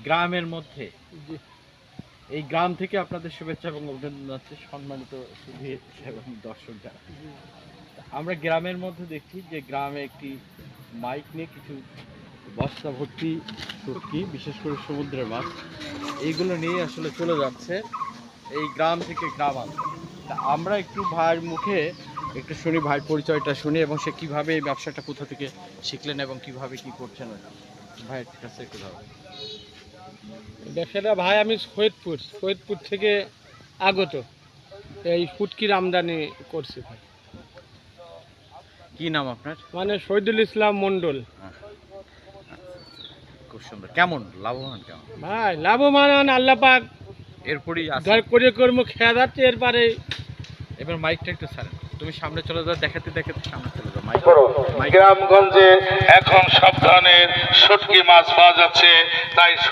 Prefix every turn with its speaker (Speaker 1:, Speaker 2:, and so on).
Speaker 1: গ্রামের মধ্যে,
Speaker 2: জি।
Speaker 1: এই গ্রাম থেকে আপনাদের শুভেচ্ছা এবং অভিনন্দন জানাচ্ছি সম্মানিত সুধী এবং দর্শক যারা। আমরা গ্রামের মধ্যে দেখছি যে গ্রামে একটি মাইক নিয়ে কিছু বস্তা ভর্তি শুটকি, বিশেষ করে সমুদ্রের মাছ, এইগুলো নিয়ে আসলে চলে যাচ্ছে এই গ্রাম থেকে গ্রামান্তরে। তা আমরা একটু ভাইয়ের মুখে একটু শুনি, ভাইয়ের পরিচয়টা শুনি এবং সে কিভাবে এই ব্যবসাটা কোথা থেকে শিখলেন এবং কিভাবে কি করছেন ভাইয়ের কাছে একটু ধরো।
Speaker 2: ব্যবসাটা ভাই আমি সৈয়দপুর থেকে আগত এই ফুটকির আমদানি করছি ভাই।
Speaker 1: কি নাম আপনার?
Speaker 2: মানে শহীদুল ইসলাম মণ্ডল।
Speaker 1: খুব সুন্দর। কেমন লাভবান কেমন?
Speaker 2: ভাই লাভবান আল্লাহ পাক
Speaker 1: এরপরই
Speaker 2: ধর করে কর্ম খেয়া যাচ্ছে, এরপরে
Speaker 1: এবার মাইকটা একটু ছাড়েন, তুমি সামনে চলে যাও, দেখাতে দেখাতে সামনে চলে যাও। মাইক
Speaker 3: গ্রামগঞ্জে এখন সব ধরনের শুটকি মাছ পাওয়া যাচ্ছে, তাই